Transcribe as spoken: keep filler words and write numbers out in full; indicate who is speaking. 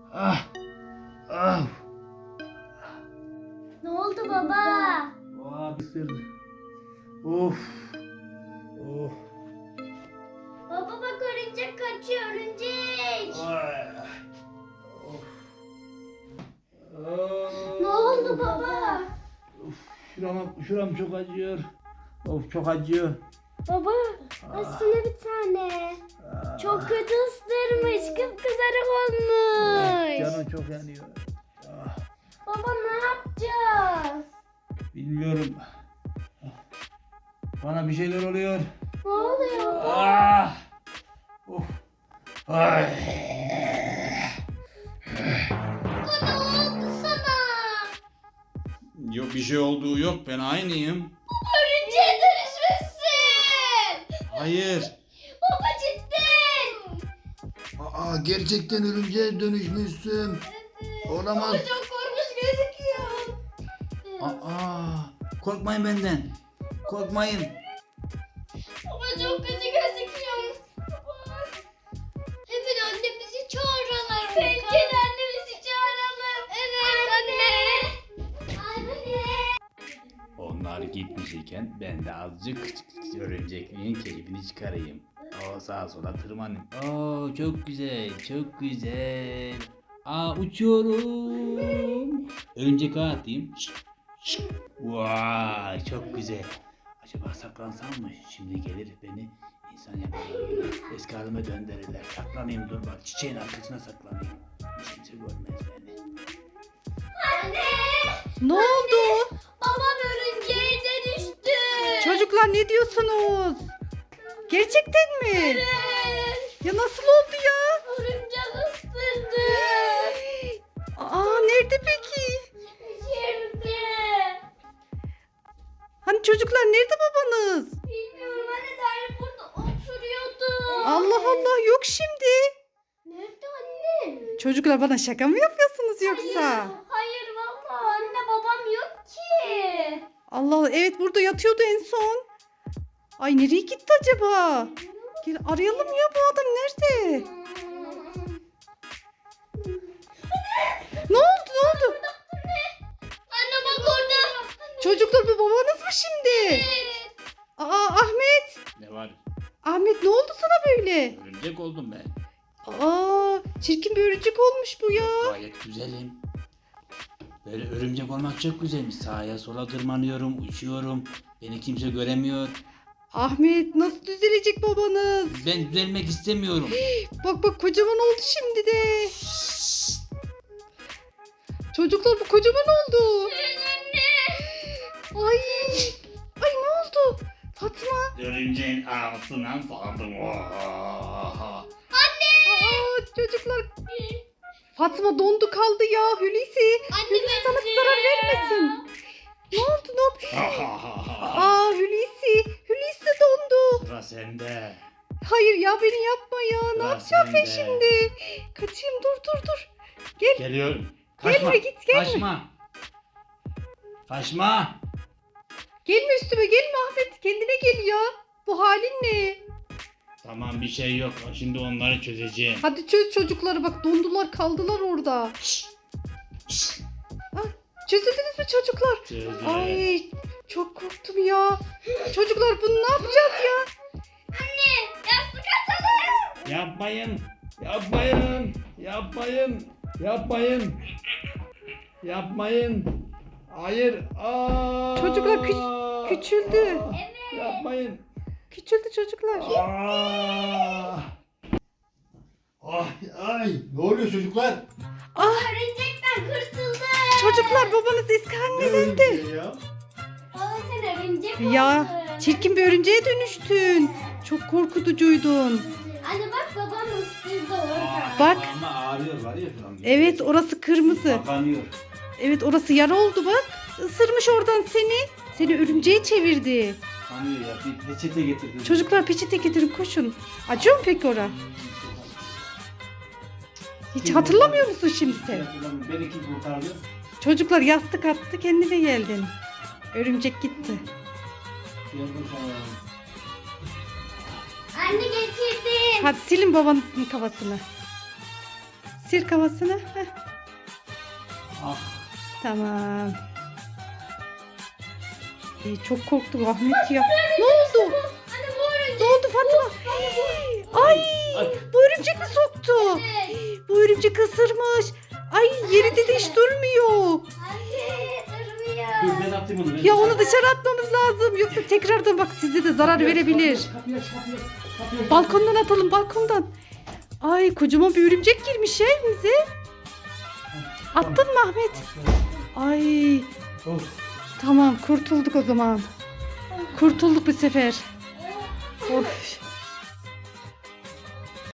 Speaker 1: Ah. Ah.
Speaker 2: Ne oldu baba?
Speaker 1: Vah ısırdı. Of. Of.
Speaker 2: Baba bak örümcek kaçıyor örümcek.
Speaker 1: Ay. Of.
Speaker 2: Ne oldu baba?
Speaker 1: Of. Şuram, şuram çok acıyor. Of çok acıyor.
Speaker 2: Baba aslında bir tane. Çok kötü ısırmış. Kıpkızarık olmuş.
Speaker 1: Canım çok yanıyor. Ah.
Speaker 2: Baba ne yapacağız?
Speaker 1: Bilmiyorum. Bana bir şeyler oluyor.
Speaker 2: Ne oluyor baba?
Speaker 1: Ah. Of. Ay.
Speaker 2: Baba ne oldu sana?
Speaker 3: Yok bir şey olduğu yok, ben aynıyım.
Speaker 2: Örümceğe dönüşmüşsün.
Speaker 3: Hayır.
Speaker 2: Baba cidden.
Speaker 1: Aa, gerçekten örümceğe dönüşmüşsün. Olamaz.
Speaker 2: Baba çok korkmuş gözüküyor.
Speaker 1: Aa, korkmayın benden. Korkmayın.
Speaker 2: Baba çok kötü gözüküyor. Baba. Hemen annemizi çağıralım. Bence de annemizi çağıralım. Evet anne. Anne.
Speaker 3: Onlar gitmiş iken ben de azıcık örümcekliğin keyfini çıkarayım. O sağa sola tırmanayım. Oo çok güzel, çok güzel. Aa uçuyorum. Örümcek ağa atayım. Şık, şık. Vay çok güzel. Acaba saklansam mı? Şimdi gelir beni insan yaparlar gibi eski halime döndürürler. Saklanayım, dur bak çiçeğin arkasına saklanayım. Kimse görmez beni.
Speaker 2: Anne.
Speaker 4: Ne oldu?
Speaker 2: Babam örümceğe dönüştü.
Speaker 4: Çocuklar ne diyorsunuz? Gerçekten mi?
Speaker 2: Evet.
Speaker 4: Ya nasıl oldu ya?
Speaker 2: Örümcek ısırdı.
Speaker 4: Aa nerede peki?
Speaker 2: Şimdi.
Speaker 4: Hani çocuklar nerede babanız?
Speaker 2: Bilmiyorum anne daha burada oturuyordu.
Speaker 4: Allah Allah yok şimdi.
Speaker 2: Nerede anne?
Speaker 4: Çocuklar bana şaka mı yapıyorsunuz yoksa?
Speaker 2: Hayır, hayır valla anne babam yok ki.
Speaker 4: Allah Allah evet burada yatıyordu en son. Ay nereye gitti acaba? Gel arayalım ya bu adam nerede? Ne oldu ne oldu?
Speaker 2: Anne bak orada.
Speaker 4: Çocuklar bu babanız mı şimdi?
Speaker 2: Evet.
Speaker 4: Aa Ahmet.
Speaker 3: Ne var?
Speaker 4: Ahmet ne oldu sana böyle?
Speaker 3: Örümcek oldum ben.
Speaker 4: Aa çirkin bir örümcek olmuş bu ya.
Speaker 3: Gayet güzelim. Böyle örümcek olmak çok güzelmiş. Sağa sola tırmanıyorum, uçuyorum. Beni kimse göremiyor.
Speaker 4: Ahmet nasıl düzelecek babanız?
Speaker 3: Ben düzelmek istemiyorum.
Speaker 4: Bak bak kocaman oldu şimdi de. Çocuklar bu kocaman oldu. Ay. Ay ne oldu? Fatma.
Speaker 3: Örümceğin ağzından saldım.
Speaker 4: Aa, çocuklar. Fatma dondu kaldı ya Hulusi. Hulusi sana zarar vermesin. Ne oldu ne oldu? Aa Hulusi. Hulusi de dondu.
Speaker 3: Sıra sende.
Speaker 4: Hayır ya beni yapma ya. Ne
Speaker 3: Sıra
Speaker 4: yapacağım ben
Speaker 3: sende.
Speaker 4: şimdi? Kaçayım dur dur dur. Gel.
Speaker 3: Geliyorum.
Speaker 4: Gelme,
Speaker 3: Kaçma.
Speaker 4: git, gelme.
Speaker 3: Kaçma. Kaçma.
Speaker 4: Gelme üstüme gelme Ahmet. Kendine gel ya. Bu halin ne?
Speaker 3: Tamam bir şey yok. Şimdi onları çözeceğim.
Speaker 4: Hadi çöz çocukları bak dondular kaldılar orada. Ah, çözüldünüz mü çocuklar?
Speaker 3: Çözdüm.
Speaker 4: Ay çok korktum ya. Çocuklar bunu ne yapacağız ya?
Speaker 2: Anne yastık atalım.
Speaker 3: Yapmayın. Yapmayın. Yapmayın. Yapmayın. Yapmayın. Hayır. Aa!
Speaker 4: Çocuklar kü- küçüldü.
Speaker 2: Evet.
Speaker 3: Yapmayın.
Speaker 4: Küçüldü çocuklar.
Speaker 3: Aa!
Speaker 1: Ay, ay, ne oluyor çocuklar?
Speaker 2: Örümcekten kurtuldum.
Speaker 4: Çocuklar babanız eski haline döndü.
Speaker 1: örümceği ya?
Speaker 2: Baba sen örümcek oldun.
Speaker 4: Ya çirkin bir örümceğe dönüştün. Çok korkutucuydun.
Speaker 2: Anne bak babam ısırdı orada.
Speaker 4: Bak.
Speaker 3: Ama ağrıyor var ya şu an.
Speaker 4: Evet orası kırmızı.
Speaker 3: Kapanıyor.
Speaker 4: Evet orası yara oldu bak. Isırmış oradan seni. Seni örümceğe çevirdi.
Speaker 3: Kanıyor ya. Bir peçete getirdim.
Speaker 4: Çocuklar peçete getirin koşun. Acıyor mu peki ora? Hiç hatırlamıyor musun şimdi sen?
Speaker 3: Beni kim kurtardı?
Speaker 4: Çocuklar yastık attı kendine geldin. Örümcek gitti.
Speaker 3: Gel bakalım.
Speaker 2: Anne getirdim.
Speaker 4: Hadi silin babanızın kafasını. Sil kafasını. Heh,
Speaker 1: Ah.
Speaker 4: tamam. Ay, çok korktum Ahmet ya. Ne oldu?
Speaker 2: Anne bu örümcek.
Speaker 4: Ne oldu Fatma? Ay, bu örümcek mi soktu?
Speaker 2: Evet.
Speaker 4: Bu örümcek ısırmış. Ay yerinde de hiç durmuyor.
Speaker 2: Anne durmuyor.
Speaker 1: Dur ben atayım onu. ben.
Speaker 4: Ya onu dışarı atmamız lazım. Yoksa tekrardan bak size de zarar
Speaker 1: Kapıyı aç,
Speaker 4: verebilir.
Speaker 1: Kapıyı aç, kapıyı aç, kapıyı aç.
Speaker 4: Balkondan atalım balkondan. Ay kocaman bir örümcek girmiş ya evimize. Attın mı Ahmet? Ay
Speaker 1: Of.
Speaker 4: tamam kurtulduk o zaman. Kurtulduk bu sefer. Of.